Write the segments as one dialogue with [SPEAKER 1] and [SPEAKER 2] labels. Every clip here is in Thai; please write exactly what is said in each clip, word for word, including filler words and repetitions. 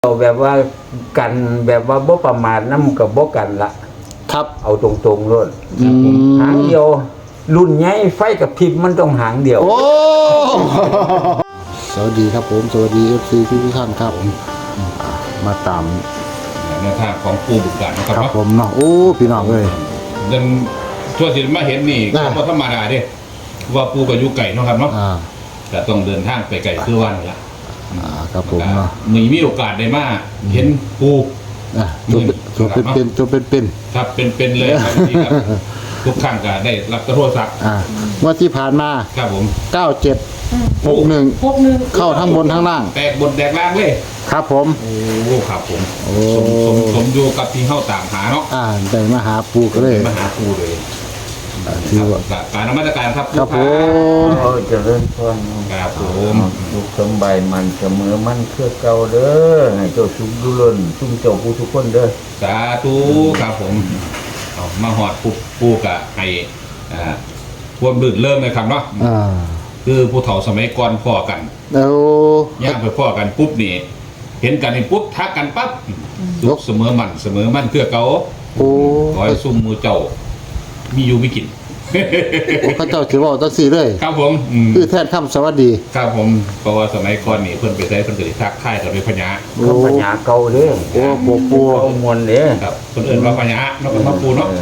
[SPEAKER 1] เอาแบบว่ากันแบบว่าบ่ประมาทน้ำกับบ่กันละ
[SPEAKER 2] ครับ
[SPEAKER 1] เอาตรงๆเลยหางเดียวรุ่นใหญ่ไฟกับพริบมันต้องหางเดียว
[SPEAKER 2] โอ้สวัสดีครับผมสวัสดีเอฟซีทุกท่านครับมาตาม
[SPEAKER 3] แนวทางของปูบุกการนะครับ
[SPEAKER 2] ครับผมเนาะโอ้พี่น้องเลย
[SPEAKER 3] ยังทั่วที่มาเห็นนี่ก็ธรรมดาเด้ว่าปูกับยุไก่เนาะครับเนาะแต่ต้องเดินทางไปไก่คือวันละ
[SPEAKER 2] อ่าครับผมเนาะ
[SPEAKER 3] มีมีโอกาสได้มาเห็นปู
[SPEAKER 2] อ่ะตัวเป็นเป็นตัวเป็นเป็น
[SPEAKER 3] ครับเป็นเป็นเลยครับทุกครั้งก็ได้รับโทรศัพท์
[SPEAKER 2] อ่าเมื่อที่ผ่านมา
[SPEAKER 3] ครับผม
[SPEAKER 2] เก้าเจ็ดหกหนึ่งเข้าทั้งบนทั้งล่าง
[SPEAKER 3] แตกบนแตกล่างเลย
[SPEAKER 2] ครับผม
[SPEAKER 3] โอ้ครับผมสมสมสมอยู่กับที่เข้าตามหาเนาะ
[SPEAKER 2] อ่าได้มาหาปูก็เลย
[SPEAKER 3] มาหาปูเลย
[SPEAKER 2] ถือว่า
[SPEAKER 3] การนมัสการครับ
[SPEAKER 2] ครับผม
[SPEAKER 1] เออจะเริ่มต้น
[SPEAKER 3] ครับผม
[SPEAKER 1] ลูกสมบัยมันเสมอมันเพื่อเก่าเด้อให้เจ้าชุมดุลนชุมเจ้าผู้ทุกคนเด้อ
[SPEAKER 3] สาธุครับผมเอามาหอดปูปูกะให้อ่าควรบึกเริ่มเลยครับเนาะ
[SPEAKER 2] อ่า
[SPEAKER 3] คือผู้เฒ่าสมัยก่อนพ่อกัน
[SPEAKER 2] แล้ว
[SPEAKER 3] ย่างไปพ่อกันปุ๊บนี่เห็นกันนี่ปุ๊บทักกันปั๊บยกเสมอมันเสมอมันเพื่อเก่า
[SPEAKER 2] โอ้
[SPEAKER 3] ขอให้ซุ่มมือเจ้ามีอยู่ไม่กิน
[SPEAKER 2] พระเจ้าถือว่าตั้งสี่เลย
[SPEAKER 3] ครับผม
[SPEAKER 2] คือแทนคำสวัสดี
[SPEAKER 3] ครับผมเพราะว่าสมัยก่อนนี่เพิ่นไปใช้เพิ่นก็สิทักทายกับด้วยพญา
[SPEAKER 1] คำพญาเก่าเด้อ
[SPEAKER 2] โอ้ปูปู
[SPEAKER 1] มวลเด้อ
[SPEAKER 3] ครับเพิ่นเอิ้นว่าพญาเนาะมาปูเนาะ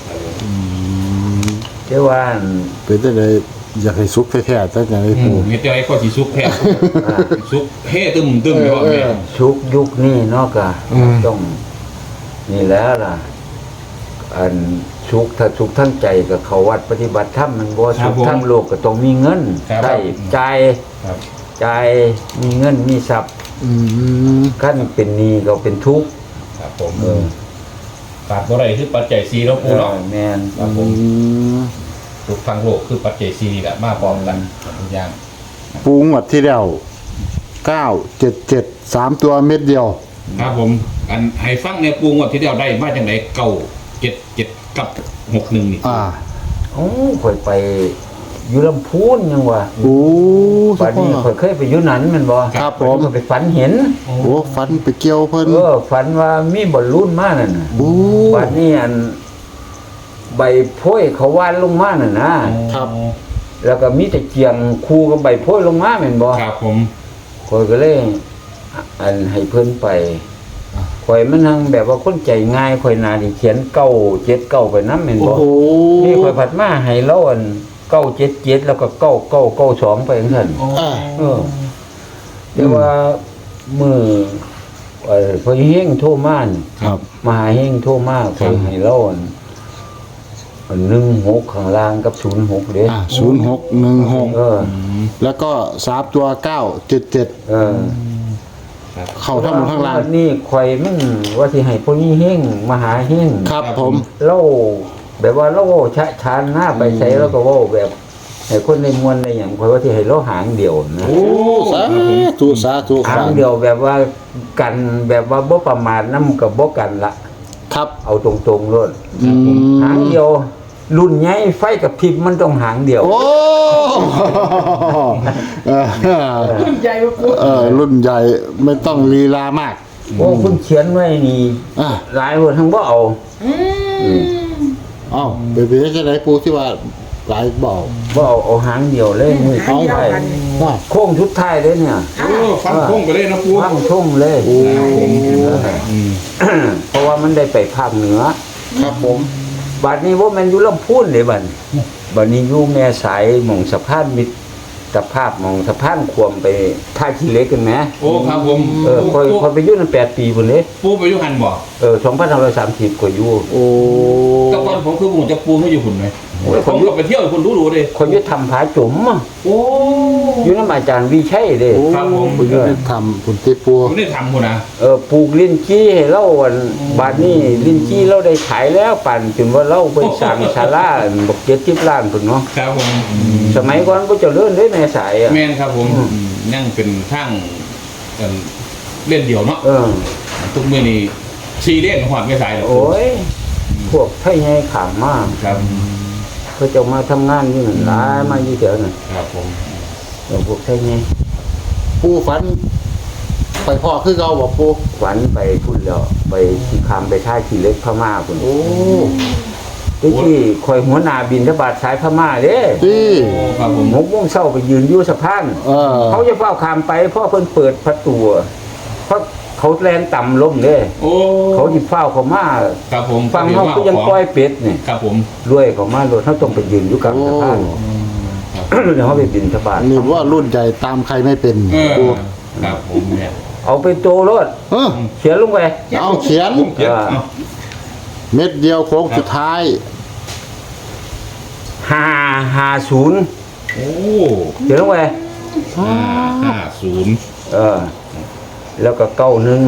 [SPEAKER 1] เจ้าว่า
[SPEAKER 2] เป็นได้เลยอยากให้ซุกแท้ๆตั้งแต่ไอ้ปู
[SPEAKER 3] มีแต่ไอ้ข้อสิซุกแท้ซุกเฮ่ตึมตึมเลยว่าแม่
[SPEAKER 1] ชุกยุคนี้เนาะก็ต้องนี่แล้วล่ะอันชุกถ้าชุกทั้งใจกับเขาวัดปฏิบัติธรรมมันบ่ชุกทั้งโลกก็ต้องมีเงินใช้จ่ายจ่ายมีเงินมีทรัพย์ขั้นเป็นหนี้ก็เป็นทุกข์
[SPEAKER 3] ครับผมเออขาดบ่ได้คือปัจจัยสี่เนาะปูเนาะ
[SPEAKER 1] แม่น
[SPEAKER 3] ครับผมทุกทางโลกคือปัจจัยสี่นี่แหละมาพร้อมกันทุกอย่าง
[SPEAKER 2] ปูงวดที่แล้วเก้าเจ็ดเจ็ดสามตัวเม็ดเดียว
[SPEAKER 3] ครับผมอันให้ฟังเนี่ยปูงวดที่แล้วได้มาจังได๋เก้าเจ็ดเจ็ดกับหกหนึ่งนี่
[SPEAKER 2] อ่า
[SPEAKER 1] โอ้ค่อยไปอยู่ลำพูนยังวะ
[SPEAKER 2] โอ้
[SPEAKER 1] ป่านนี้ค่อยเคยไปอยู่นั้นมันบ่
[SPEAKER 2] ครับผม
[SPEAKER 1] ไปฝันเห็น
[SPEAKER 2] โอ้ฝันไปเกี่ยวเพิ่น
[SPEAKER 1] เออฝันว่ามีบอลลูนมานั่นน่ะ
[SPEAKER 2] โอ้
[SPEAKER 1] ป่านนี้อันใบโพยเขาวานลงมาน่ะนะครับแล้วก็มีแต่เกียงคู่กับใบโพยลงมาแม่นบ่
[SPEAKER 3] ครับผม
[SPEAKER 1] ค่อยก็เลยอันให้เพิ่นไปข่อยมันทั้งแบบว่าคนใจง่ายข่อยนาที่เขียนเก้าเจ็ดเก้าไปน้ำเห็นบ่นี่ข่อยผัดมาให้เล่าอันเก้าเจ็ดเจ็ดแล้วก็เก้าเก้าเก้าสองไปอย่างนั้นเออเดี๋ยวว่ามือเอ่อพอเฮงโทรมา
[SPEAKER 2] ครับ
[SPEAKER 1] มาหาเฮงโทรมาข่อยให้เล่าอันหนึ่งหกข้างล่างกับศูนย์หกเด้
[SPEAKER 2] อ่าศูนย์หกหนึ่งหก
[SPEAKER 1] เออ
[SPEAKER 2] แล้วก็สามตัวเก้าเจ็ดเจ็ด
[SPEAKER 1] เออ
[SPEAKER 2] เข้าทั้งหมดทั้งล่าง
[SPEAKER 1] นี่ข่อยมันว่าสิให้พวกนี้เฮงมาหาเฮง
[SPEAKER 2] ครับผม
[SPEAKER 1] เล่าแบบว่าเล่าชะชานหน้าไปใช้แล้วก็ว่าแบบให้คนในมวลในอย่างข่อยว่าสิให้เล่าหางเดียวนะ
[SPEAKER 2] โอ้สาธุสาธุ
[SPEAKER 1] หางเดียวแบบว่ากันแบบว่าบ่ประมาทน้ำกับบ่กันละ
[SPEAKER 2] ครับ
[SPEAKER 1] เอาตรงๆเลยหางเดียวรุ่นใหญ่ไฟกับพริบมันต้องหางเดียว
[SPEAKER 2] โอ้
[SPEAKER 3] รุ่นใหญ่
[SPEAKER 2] เออรุ่นใหญ่ไม่ต้องลีลามาก
[SPEAKER 1] โอ้คุณเขียนไว้นี่หลายคนทั้งบ่เอา
[SPEAKER 2] อ้าวเบบีจะได้ปูที่ว่าหลายบอก
[SPEAKER 1] บ่เอาเอาหางเดียวเลยมือ
[SPEAKER 2] เอา
[SPEAKER 1] ไปโค้งชุดท้ายเลยเนี่ย
[SPEAKER 3] ฟังโค้งไปเลยนะปู
[SPEAKER 1] ฟังช่งเลยเพราะว่ามันได้ไปภาคเหนือ
[SPEAKER 2] ครับผม
[SPEAKER 1] บัดนี้ว่ามันอยู่ลำพูนเลยบัดบัดนี้อยู่แม่สายหม่องสะพานมิตรสภาพหม่องสะพานควมไปท่าขี้เล็กกันไหม
[SPEAKER 3] โอ้ครับผม
[SPEAKER 1] เออคอยคอยไปอยู่นั่นแปดปีพุ่นเลย
[SPEAKER 3] ปูไปอยู่หันบ่
[SPEAKER 1] เออสองพันห้าร้อยสามสิบกว่าอยู่
[SPEAKER 2] โอ้
[SPEAKER 3] แต่ก่อนผมคือผมจะปูไม่อยู่หุ่นไหมผมก็ไปเที่ยวคุณรู้รู้เลย
[SPEAKER 1] คนยุทธทำผาจุ๋ม
[SPEAKER 3] โอ้
[SPEAKER 1] อยู่น้ำอาจารย์วิชัยเลย
[SPEAKER 2] ครับผมคุณยุทธทำคุณที่ปู
[SPEAKER 3] คุณได้ทำคุณนะ
[SPEAKER 1] เออปลูกลิ้นจี้ให้เล่าวันบาทนี้ลิ้นจี้เราได้ขายแล้วปั่นจนว่าเล่าไปสั่งศาลาบอกเจ็ดสิบล้านพุ่นเนาะ
[SPEAKER 3] ครับผม
[SPEAKER 1] สมัยก่อนก็จะเลื่อนได้แม่สายอ่ะ
[SPEAKER 3] แม่นครับผมนั่งเป็นช่างเล่นเดี่ยวเนาะทุกเมื่อนี้ชีเล่นหอดไม่สายหรอก
[SPEAKER 1] โอ้ยพวกไทยไงขามมาก
[SPEAKER 3] ครับ
[SPEAKER 1] เขาจะมาทำงานนี่หลายมาอยู่เดี๋ยวน่ะ
[SPEAKER 3] ครับผม
[SPEAKER 1] พวกไทยไง
[SPEAKER 2] ปูฝันไปพ่อคือเก่าบ่ปู
[SPEAKER 1] ฝันไปพุ่นแล้วไปที่คำไปท่าขี่เล็กพม่าพุ่น
[SPEAKER 2] โอ้
[SPEAKER 1] ที่ที่คอยหัวหน้าบินทบาทสายพม่าเด้
[SPEAKER 2] ที่
[SPEAKER 3] โอ้ครับผม
[SPEAKER 1] หกโมงเช้าไปยืนอยู่สะพาน
[SPEAKER 2] เออ
[SPEAKER 1] เขาจะเฝ้าคามไปเพราะเพิ่นเปิดประตูเพราะเขาแลนต่ำลงเด้
[SPEAKER 3] โอ้
[SPEAKER 1] เขาสิเฝ้าเขามา
[SPEAKER 3] ครับผม
[SPEAKER 1] ฟังเฮาก็ยังปล่อยเป็ดนี่
[SPEAKER 3] ครับผม
[SPEAKER 1] รวยเขามาโลดเฮาต้องไปยืนอยู่กลางสะพาน เดี๋ยวเขาไปบินทบาท
[SPEAKER 2] นี่ว่ารุ่นใหญ่ตามใครไม่เป็น
[SPEAKER 3] เออ
[SPEAKER 2] ปู
[SPEAKER 3] ครับผมเนี่ย
[SPEAKER 1] เอาไปโตรถ
[SPEAKER 2] เออ
[SPEAKER 1] เขียนลงไป
[SPEAKER 2] เอาเขียน
[SPEAKER 3] ผมเขียนเอา
[SPEAKER 2] เม็ดเดียวโค้งสุดท้าย
[SPEAKER 1] ห้าห้าศูนย์
[SPEAKER 3] โอ้
[SPEAKER 1] เขียนลงไป
[SPEAKER 3] ห้าห้าศูนย์
[SPEAKER 1] เออ แล้วก็เก้าหนึ่ง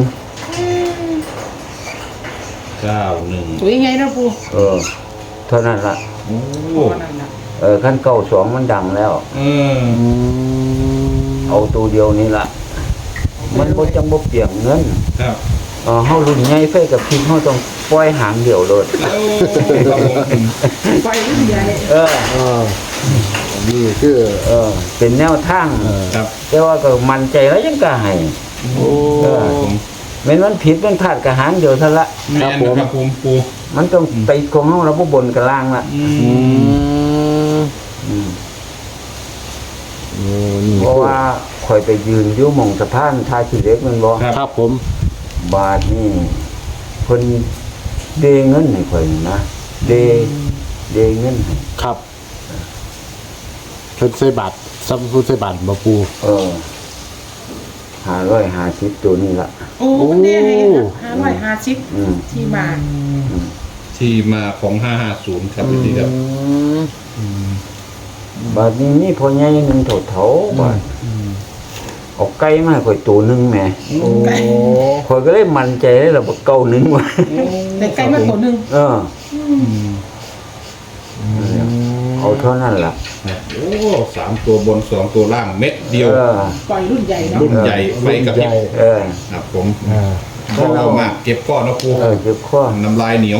[SPEAKER 3] เก้าหนึ่ง
[SPEAKER 4] ตัวยังไงนะปู
[SPEAKER 1] เออ เท่านั้นละ
[SPEAKER 3] โอ้
[SPEAKER 4] นั่นน่ะ
[SPEAKER 1] เออขั้นเก้าสองมันดังแล้ว
[SPEAKER 3] เออ
[SPEAKER 2] อืม
[SPEAKER 1] เอาตัวเดียวนี้ละมันบ่จังบ่เปลี่ยนเงิน
[SPEAKER 3] ครับ
[SPEAKER 1] เออเฮารุ่นใหญ่ไฟกับพริกเฮาต้องปล่อยหางเดียวโลด
[SPEAKER 3] โอ้ครับผม
[SPEAKER 4] ไฟรุ่นใหญ่
[SPEAKER 1] เออ
[SPEAKER 2] เออนี่คือ
[SPEAKER 1] เออ เป็นแนวทาง
[SPEAKER 2] เออ
[SPEAKER 3] ครับ
[SPEAKER 1] แต่ว่าก็มั่นใจแล้วยังก็ให้
[SPEAKER 2] โอ้
[SPEAKER 1] เออ
[SPEAKER 3] ผม
[SPEAKER 1] แม้นมันผิดมันพลาดก็หางเดียวเท่าละ
[SPEAKER 3] แม่นนะครับผมปู
[SPEAKER 1] มันต้องไปของเฮาแล้วบ่บนกับล่างละ
[SPEAKER 3] อื
[SPEAKER 2] อื
[SPEAKER 3] ม
[SPEAKER 2] ม
[SPEAKER 1] อืม
[SPEAKER 2] โอ้นี่
[SPEAKER 1] เพราะว่าข่อยไปยืนอยู่หม่องสะพานท่าขี้เหล็กแมันบ่
[SPEAKER 2] ครับผม
[SPEAKER 1] บาทนี่เพิ่นเดเงินให้ข่อยนี่นะเดเดเงินให้
[SPEAKER 2] ครับเพิ่นใส่บาทซับผู้ใส่บาทบ่ปู
[SPEAKER 1] เออห้าร้อยห้าสิบตัวนี่ละ
[SPEAKER 4] โอ้มันได้ให้ห้าร้อยห้าสิบ
[SPEAKER 1] อืม
[SPEAKER 4] ที่มา
[SPEAKER 3] ที่มาของห้าห้าศูนย์ครับพี่ครับ
[SPEAKER 2] อืม
[SPEAKER 1] บาทนี้มีพ่อใหญ่หนึงเฒ่าๆบาทเอาไก่มาให้ข่อยตัวหนึงแหม
[SPEAKER 2] โอ้
[SPEAKER 1] ข่อยก็เลยมั่นใจเลยล่ะว่าเก่าหนึงว่ะ
[SPEAKER 4] ในไก่มาตัวหนึ่ง
[SPEAKER 1] เออ เอาเท่านั้นล่ะ
[SPEAKER 3] โอ้สามตัวบนสองตัวล่างเม็ดเดียว
[SPEAKER 1] เออ
[SPEAKER 4] ปล่อยรุ่นใหญ่เนาะ
[SPEAKER 3] รุ่นใหญ่ไฟกับพริบ
[SPEAKER 1] เออ
[SPEAKER 3] ครับผม
[SPEAKER 2] อ่า
[SPEAKER 3] พอเอามากเก็บก้อนนะปู
[SPEAKER 1] เออเจ็บคอ
[SPEAKER 3] น้ำลายเหนียว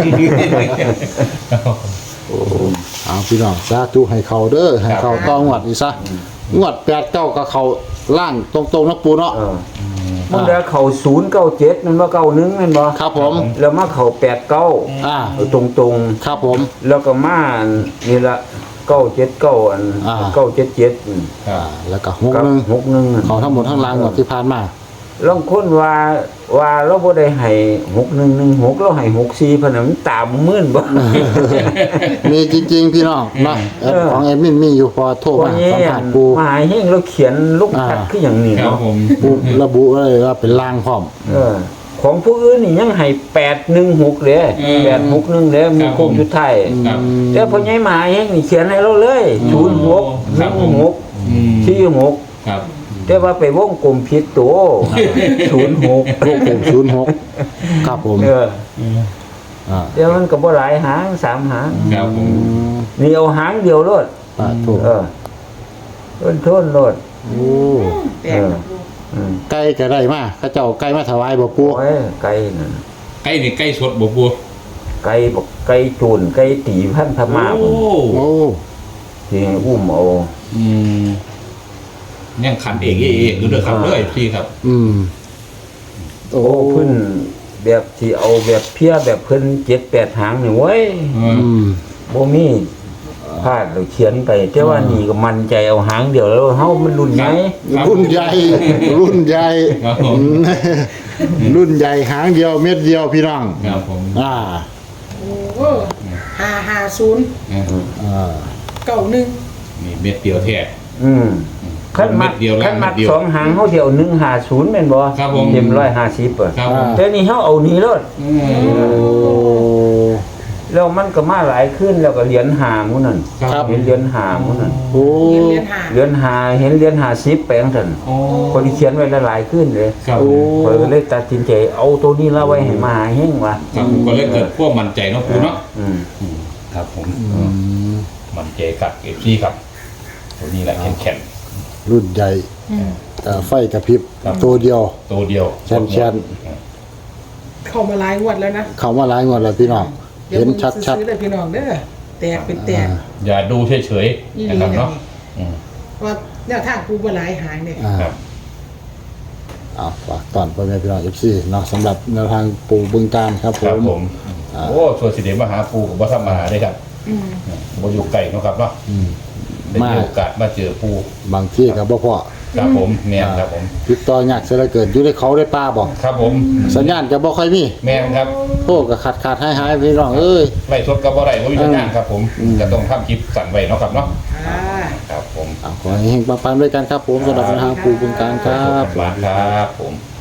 [SPEAKER 2] เอาพี่น้องสาธุให้เขาเด้อให้เขาต้องงวดอีกซะงวดแปดเก้าก็เขาล่างตรงๆนะปูเนาะ
[SPEAKER 1] เออมันได้เข้าศูนย์เก้าเจ็ดนั่นว่าเก้าหนึ่งนั่นบ่
[SPEAKER 2] ครับผม
[SPEAKER 1] แล้วมาเข้าแปดเก้า
[SPEAKER 2] อ่า
[SPEAKER 1] ตรงตรง
[SPEAKER 2] ครับผม
[SPEAKER 1] ๆแล้วก็มานี่ละเก้าเจ็ดเก้าอัน
[SPEAKER 2] อ่า
[SPEAKER 1] เก้าเจ็ดเจ็ด
[SPEAKER 2] อ่าแล้วก็หก
[SPEAKER 1] กับ
[SPEAKER 2] หนึง
[SPEAKER 1] หกหนึ่ง
[SPEAKER 2] เขาทั้งหมดทั้งรางงวดที่ผ่านมา
[SPEAKER 1] ลองคนว่าว่าเราบ่ได้ให้หกหนึ่งหนึ่งหกเราให้หกสี่พะนะมันตามมื่นบ่
[SPEAKER 2] มีจริงๆพี่น้องเนาะแอปของแอดมินมีอยู่พอโทร
[SPEAKER 1] พอ
[SPEAKER 2] มา
[SPEAKER 1] นี้
[SPEAKER 2] สัมผัสปู
[SPEAKER 1] มหาเฮงเราเขียนลูกทัด
[SPEAKER 2] อ่า
[SPEAKER 1] คืออย่างนี้
[SPEAKER 3] ครับ
[SPEAKER 1] เนาะ
[SPEAKER 3] ผม
[SPEAKER 2] ปูระบุไว้เลยว่าเป็นล่างพร้อม
[SPEAKER 1] เออ ของผู้อื่นนี่ยังให้แปดหนึ่งหกเด้แปดหกหนึ่งเด้มีโคงสุดท้าย
[SPEAKER 3] ครับ
[SPEAKER 1] แต่พอใหญ่มหาเฮงนี่เขียนให้เราเลยศูนย์หกห
[SPEAKER 3] ครั
[SPEAKER 1] นึ่
[SPEAKER 3] บ
[SPEAKER 1] ง
[SPEAKER 3] ผม
[SPEAKER 1] หก
[SPEAKER 3] อืม
[SPEAKER 1] สี่หก
[SPEAKER 3] ครับ
[SPEAKER 1] แต่ว่าไปวงกลมผิดตัวศูนย์หก
[SPEAKER 2] ลูกผมศูนย์หกครับผม
[SPEAKER 1] เออ
[SPEAKER 2] อ่า
[SPEAKER 1] เดี๋ยวมันก็บ่หลายหางสามหาง
[SPEAKER 3] ครับผ
[SPEAKER 2] อื
[SPEAKER 3] ม
[SPEAKER 2] ม
[SPEAKER 1] นี่เอาหางเดียวโลด
[SPEAKER 2] ปาถูก
[SPEAKER 1] เออต้นโทนโลด
[SPEAKER 2] โอ้
[SPEAKER 4] แตกนะปู
[SPEAKER 1] อืม
[SPEAKER 2] ไก่ก็ได้มาเขาเจ้าไก่มาถวายบ่ปู
[SPEAKER 1] โอ้ยไก่นั่น
[SPEAKER 3] ใกล้นี่ใกล้สดบ่ปู
[SPEAKER 1] ไก่บอกไก่จูนไก่ตีพันธมา
[SPEAKER 3] โอ้
[SPEAKER 1] พุ่น
[SPEAKER 2] โอ้
[SPEAKER 1] ที่อุ้มเอา
[SPEAKER 3] อืมเนี่ยขันเองเองคือเด้อครับเด้อพี่ครับ
[SPEAKER 2] อืมโอ้
[SPEAKER 1] โอ้เพิ่นแบบที่เอาแบบเพี้ยแบบเพิ่นเจ็ดแปดหางนี่เว้ย
[SPEAKER 3] อืม
[SPEAKER 2] อืม
[SPEAKER 1] บ่มีพลาดหรือเขียนไป แต่ว่านี่ก็มั่นใจเอาหางเดียวแล้วเฮามันรุ่นใหญ่
[SPEAKER 2] รุ่นใหญ่ รุ่นใหญ่
[SPEAKER 3] ครับผม
[SPEAKER 2] รุ่นใหญ่หางเดียวเม็ดเดียวพี่น้อง
[SPEAKER 3] ครับผม
[SPEAKER 2] อ่า
[SPEAKER 4] โอ้ห้าห้าศูนย์
[SPEAKER 2] อ่า
[SPEAKER 4] เก้าหนึ่ง
[SPEAKER 3] นี่เม็ดเดียวแท้
[SPEAKER 1] อืมคันมัก
[SPEAKER 3] เม็ดเดียวล่าง
[SPEAKER 1] คันมัก
[SPEAKER 3] เม็ดเดียว
[SPEAKER 1] สองหางเฮาเดียวหนึ่งห้าศูนย์แม่นบ่
[SPEAKER 3] ครับผม
[SPEAKER 1] เต็มหนึ่งร้อยห้าสิบอ่ะ
[SPEAKER 3] ครับผม
[SPEAKER 1] แต่นี่เฮาเอานี่โลด
[SPEAKER 3] อืม
[SPEAKER 2] โอ้
[SPEAKER 1] แล้วมันก็มาหลายขึ้นแล้วก็เหรียญหาหมู่นั่น
[SPEAKER 2] ครับ
[SPEAKER 1] เห็นเหรียญหาหมู่นั่น
[SPEAKER 2] โอ้
[SPEAKER 4] เรียนเรียนหา
[SPEAKER 1] เหรียญหาเห็นเหรียญหาสิบแปลงซั่น
[SPEAKER 3] โอ้
[SPEAKER 1] คนที่เขียนไว้หลายๆขึ้นเลย
[SPEAKER 3] ครับ
[SPEAKER 2] โอ้
[SPEAKER 1] ข้อยก็เลยตัดสินใจเอาตัวนี้ละไว้ให้มาหาเฮงว่ะ
[SPEAKER 3] ครับผมก็เลยเกิดพวกมั่นใจเนาะปูเนาะ
[SPEAKER 1] อืม
[SPEAKER 3] อืมครับผม
[SPEAKER 2] อืม
[SPEAKER 3] มั่นใจกับเอฟซีครับตัวนี้แหละแข็งแข็ง
[SPEAKER 2] รุ่นใหญ่
[SPEAKER 4] อืม
[SPEAKER 2] เอ่อไฟกระพริบ
[SPEAKER 3] ครับ
[SPEAKER 2] ตัวเดียว
[SPEAKER 3] ตัวเดียว
[SPEAKER 2] แช่นแช่น
[SPEAKER 4] เข้ามาหลายงวดแล้วนะ
[SPEAKER 2] เขามาหลายงวดแล้วพี่น้อง
[SPEAKER 4] เดี๋ยว
[SPEAKER 2] เห็น
[SPEAKER 4] มึง
[SPEAKER 2] ชัด
[SPEAKER 4] ซื้อเลยพี่น้องเด้อแตกเป็นแตก
[SPEAKER 3] อย่าดูเฉย
[SPEAKER 4] อี
[SPEAKER 3] ๆ
[SPEAKER 4] หลี
[SPEAKER 3] นะครับ
[SPEAKER 4] นะ
[SPEAKER 3] เนาะอืม
[SPEAKER 4] ว่าแนวทางปูบ่หลายหางเนี่ย
[SPEAKER 2] ๆอ่า
[SPEAKER 3] ครับ
[SPEAKER 2] เอาฝากตอนพ่อแม่พี่น้อง เอฟ ซี เนาะสำหรับแนวทางปูบึงการครับผ
[SPEAKER 3] ครับ
[SPEAKER 2] ม
[SPEAKER 3] ผมโอ้ส่วนสิเดมาหาปูกับบ่ธรรมดาได้ครับ
[SPEAKER 4] อืม
[SPEAKER 3] บ่อยู่ไกลเนาะครับเนาะ
[SPEAKER 2] อืม
[SPEAKER 3] ได้
[SPEAKER 2] มา
[SPEAKER 3] มีโอกาสมาเจอปู
[SPEAKER 2] บางที่กับบ่พ่อ
[SPEAKER 3] ครับผมแม่นครับผม
[SPEAKER 2] ติดต่อยากเสียเหลือเกินอยู่ในเขาได้ป้าบอก
[SPEAKER 3] ครับผม
[SPEAKER 2] สัญญาณก็บ่ค่อยมี
[SPEAKER 3] แม่นครับ
[SPEAKER 2] โอ้ก็ขาดขาดหายหายพี่น้องเอ้ย
[SPEAKER 3] ไล่สดก็บ่ได้บ่มีสัญญาณครับผม
[SPEAKER 2] อืม
[SPEAKER 3] ก็ต้องทำคลิปสั่นไว้เนาะครับเนาะ
[SPEAKER 4] อ่า
[SPEAKER 3] ครับผม
[SPEAKER 2] เอาขอให้เฮงปังๆด้วยกันครับผมสำหรับแนวทางปูบึงการครับ
[SPEAKER 3] ขอบคุณมากครับผม